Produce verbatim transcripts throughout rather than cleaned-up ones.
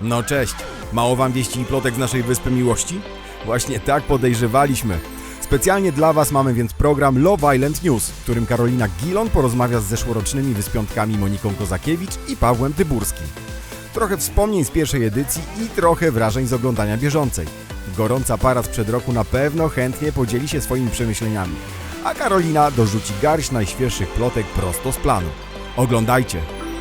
No cześć, mało wam wieści i plotek z naszej Wyspy Miłości? Właśnie tak podejrzewaliśmy. Specjalnie dla was mamy więc program Love Island News, w którym Karolina Gilon porozmawia z zeszłorocznymi wyspiątkami Moniką Kozakiewicz i Pawłem Tyburskim. Trochę wspomnień z pierwszej edycji i trochę wrażeń z oglądania bieżącej. Gorąca para sprzed roku na pewno chętnie podzieli się swoimi przemyśleniami, a Karolina dorzuci garść najświeższych plotek prosto z planu. Oglądajcie!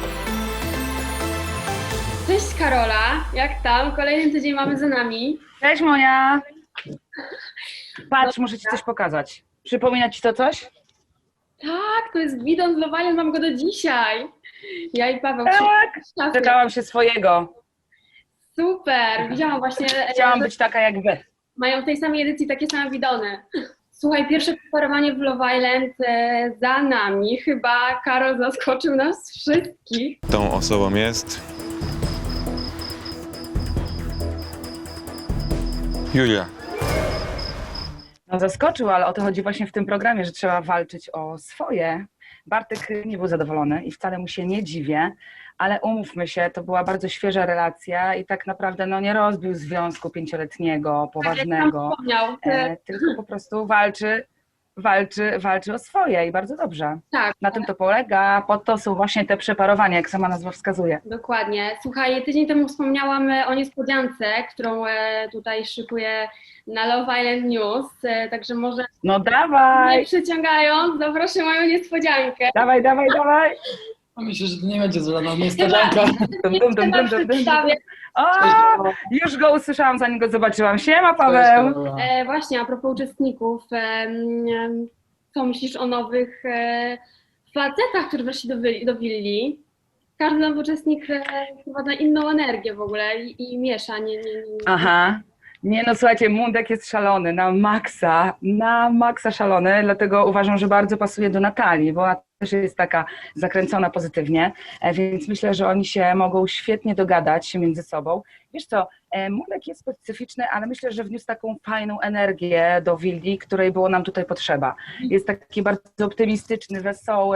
Cześć Karola, jak tam? Kolejny tydzień mamy za nami. Cześć Monia! Patrz, muszę ci coś pokazać. Przypomina ci to coś? Tak, to jest bidon z Love Island, mam go do dzisiaj. Ja i Paweł. Tak! Czekałam się swojego. Super, widziałam właśnie. Chciałam być taka jak wy. Mają w tej samej edycji takie same bidony. Słuchaj, pierwsze preparowanie w Love Island e, za nami. Chyba Karol zaskoczył nas wszystkich. Tą osobą jest Julia. No zaskoczył, ale o to chodzi właśnie w tym programie, że trzeba walczyć o swoje. Bartek nie był zadowolony i wcale mu się nie dziwię, ale umówmy się, to była bardzo świeża relacja i tak naprawdę no, nie rozbił związku pięcioletniego, poważnego, Wspomniał. e, tylko po prostu walczy, walczy, walczy o swoje i bardzo dobrze. Tak. Na tym to polega, po to są właśnie te przeparowania, jak sama nazwa wskazuje. Dokładnie. Słuchaj, tydzień temu wspomniałam e, o niespodziance, którą e, tutaj szykuję na Love Island News, e, także może No nie dawaj, przyciągając, zaproszę moją niespodziankę. dawaj, dawaj, dawaj. Myślę, że to nie będzie żadna niespodzianka. Dum, dum, dum, dum, dum, dum. O, już go usłyszałam, zanim go zobaczyłam. Siema Paweł. E, właśnie, a propos uczestników, e, m, co myślisz o nowych e, facetach, którzy weszli do, wi- do willi? Każdy nowy uczestnik e, wprowadza inną energię w ogóle i, i miesza. Nie, nie, nie. Aha. Nie no, słuchajcie, Mundek jest szalony, na maksa, na maksa szalony, dlatego uważam, że bardzo pasuje do Natalii, bo ona też jest taka zakręcona pozytywnie, e, więc myślę, że oni się mogą świetnie dogadać między sobą. Wiesz co, e, Mundek jest specyficzny, ale myślę, że wniósł taką fajną energię do willi, której było nam tutaj potrzeba. Jest taki bardzo optymistyczny, wesoły,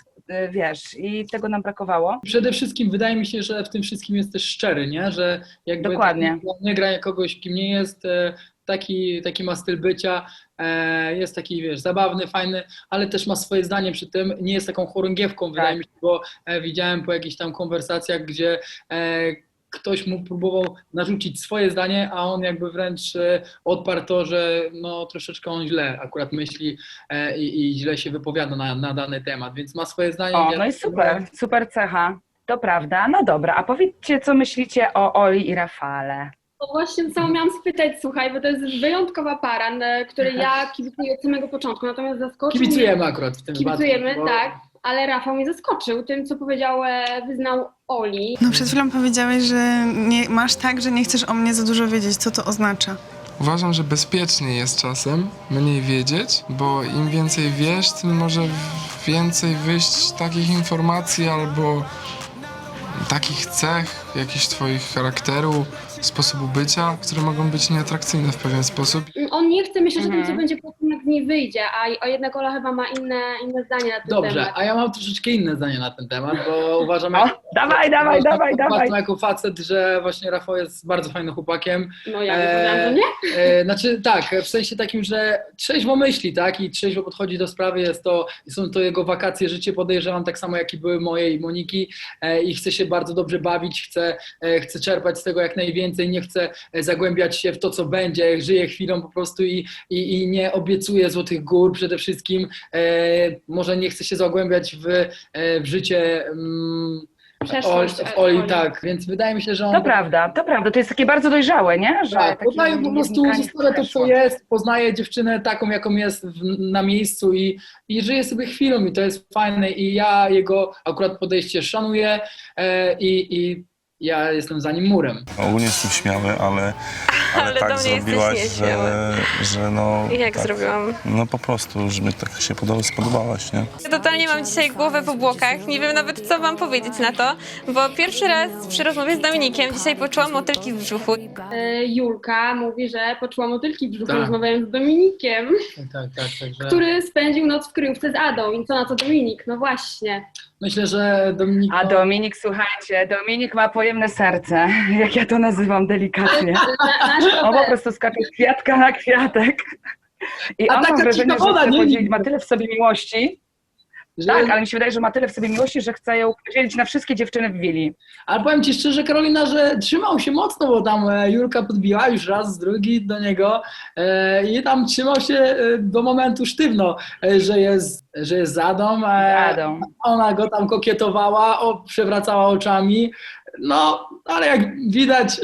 e, wiesz, i tego nam brakowało. Przede wszystkim wydaje mi się, że w tym wszystkim jest też szczery, nie? Że jakby Dokładnie. taki, nie gra kogoś, kim nie jest, e, taki, taki ma styl bycia, e, jest taki, wiesz, zabawny, fajny, ale też ma swoje zdanie przy tym, nie jest taką chorągiewką, wydaje mi się, bo e, widziałem po jakichś tam konwersacjach, gdzie e, ktoś mu próbował narzucić swoje zdanie, a on jakby wręcz e, odparł to, że no troszeczkę on źle akurat myśli e, i, i źle się wypowiada na, na dany temat, więc ma swoje zdanie. O, Ja- no i super, super cecha. To prawda, no dobra, a powiedzcie, co myślicie o Oli i Rafale? To właśnie co miałam spytać, słuchaj, bo to jest wyjątkowa para, na której ja kibicuję od samego początku, natomiast zaskoczył Kibicujemy mnie, akurat w tym kibicujemy, wypadku, bo- tak, ale Rafał mnie zaskoczył tym, co powiedział, e, wyznał Oli. No przed chwilą powiedziałeś, że nie, masz tak, że nie chcesz o mnie za dużo wiedzieć. Co to oznacza? Uważam, że bezpiecznie jest czasem mniej wiedzieć, bo im więcej wiesz, tym może więcej wyjść takich informacji albo takich cech, jakichś twoich charakteru, sposobu bycia, które mogą być nieatrakcyjne w pewien sposób. On nie chce myśleć o tym, Mhm. co będzie potem, jak z niej wyjdzie, a, a jednak Ola chyba ma inne, inne zdanie na ten Dobrze, temat. a ja mam troszeczkę inne zdanie na ten temat, bo uważam, O, dawaj, dawaj, uważam, dawaj, uważam dawaj. jako facet, że właśnie Rafał jest bardzo fajnym chłopakiem. No ja nie powiedziałam, że nie. E, znaczy tak, w sensie takim, że trzeźwo myśli, tak, i trzeźwo podchodzi do sprawy, jest to, są to jego wakacje, życie, podejrzewam, tak samo jak i były moje i Moniki, e, i chce się bardzo dobrze bawić, chce, e, chce czerpać z tego jak najwięcej, nie chce e, zagłębiać się w to, co będzie, żyje chwilą po prostu i, i, i nie obiecuje złotych gór przede wszystkim, e, może nie chce się zagłębiać w, e, w życie mm, Przeszłość, Oli, w Oli, Oli. tak, więc wydaje mi się, że on... To prawda, to prawda, to jest takie bardzo dojrzałe, nie? Że Tak, takie poznaje po nie prostu, wnikanie w zostawia to, co przeszłość. jest, poznaje dziewczynę taką, jaką jest w, na miejscu i, i żyje sobie chwilą i to jest fajne i ja jego akurat podejście szanuję e, i, i ja jestem za nim murem. Ogólnie jestem śmiały, ale, ale, Ale do tak mnie jesteś zrobiłaś, nieśmiały. że, że no... I jak tak, zrobiłam? No po prostu, że mi tak się podoba, spodobałaś, nie? Totalnie mam dzisiaj głowę w obłokach, nie wiem nawet co wam powiedzieć na to, bo pierwszy raz przy rozmowie z Dominikiem dzisiaj poczułam motylki w brzuchu. E, Julka mówi, że poczuła motylki w brzuchu, Tak. rozmawiając z Dominikiem, Tak, tak, także... który spędził noc w kryjówce z Adą. I co na to Dominik? No właśnie. Myślę, że Dominika... A Dominik, słuchajcie, Dominik ma pojemne serce, jak ja to nazywam delikatnie. On po prostu skacze z kwiatka na kwiatek. I A on taka mam wrażenie, że ciekawa, chce nie? podzielić, ma tyle w sobie miłości. że... Tak, ale mi się wydaje, że ma tyle w sobie miłości, że chce ją podzielić na wszystkie dziewczyny w willi. Ale powiem Ci szczerze, Karolina, że trzymał się mocno, bo tam e, Julka podbiła już raz, drugi do niego e, i tam trzymał się e, do momentu sztywno, e, że jest, że jest Zadą. E, Zadą. Ona go tam kokietowała, o, przewracała oczami. No, ale jak widać,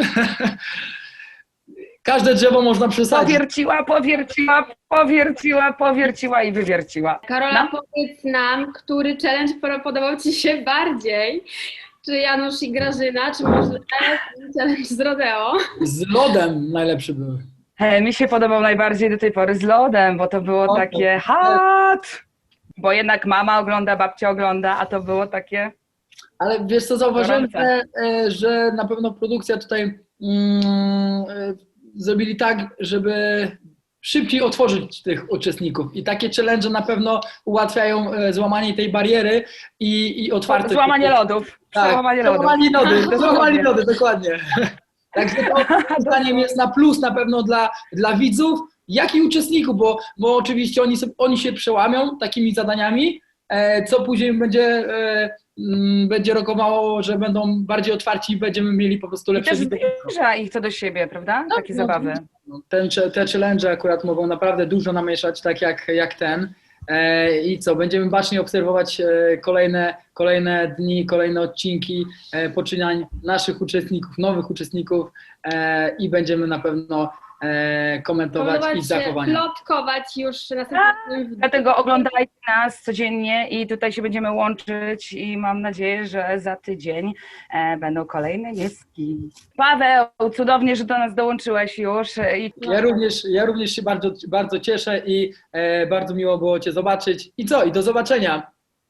każde drzewo można przesadzić. Powierciła, powierciła, powierciła, powierciła i wywierciła. Karola, No. powiedz nam, który challenge podobał Ci się bardziej? Czy Janusz i Grażyna, czy może challenge z Rodeo? Z lodem najlepszy był. E, mi się podobał najbardziej do tej pory z lodem, bo to było O, takie hot! Bo jednak mama ogląda, babcia ogląda, a to było takie... Ale wiesz co, zauważyłem, Gorące. że, e, że na pewno produkcja tutaj mm, e, zrobili tak, żeby szybciej otworzyć tych uczestników i takie challenge na pewno ułatwiają e, złamanie tej bariery i, i otwarte... Złamanie lodów. Tak, Złamanie lodów. złamanie lody, Dokładnie. złamanie lody, dokładnie. Także to zdaniem jest na plus na pewno dla, dla widzów, jak i uczestników, bo, bo oczywiście oni, sobie, oni się przełamią takimi zadaniami, e, co później będzie, e, m, będzie rokowało, że będą bardziej otwarci i będziemy mieli po prostu I lepsze też widzenie. zbliża ich to do siebie, prawda? Takie no, zabawy. No, ten, te challenge akurat mogą naprawdę dużo namieszać, tak jak, jak ten. E, I co, będziemy bacznie obserwować e, kolejne, kolejne dni, kolejne odcinki e, poczynań naszych uczestników, nowych uczestników e, i będziemy na pewno e, komentować Komentować, ich zachowania. plotkować już następnym... Dlatego oglądajcie nas codziennie i tutaj się będziemy łączyć i mam nadzieję, że za tydzień e, będą kolejne nieski. Paweł, cudownie, że do nas dołączyłeś już. e, I Ja również, ja również się bardzo, bardzo cieszę i e, bardzo miło było Cię zobaczyć. I co? I do zobaczenia.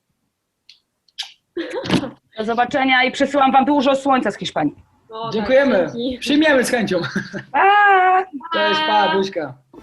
do zobaczenia i przesyłam wam dużo słońca z Hiszpanii. O, tak, Dziękujemy. dzięki. Przyjmiemy z chęcią. Pa! Cześć, pa, buźka.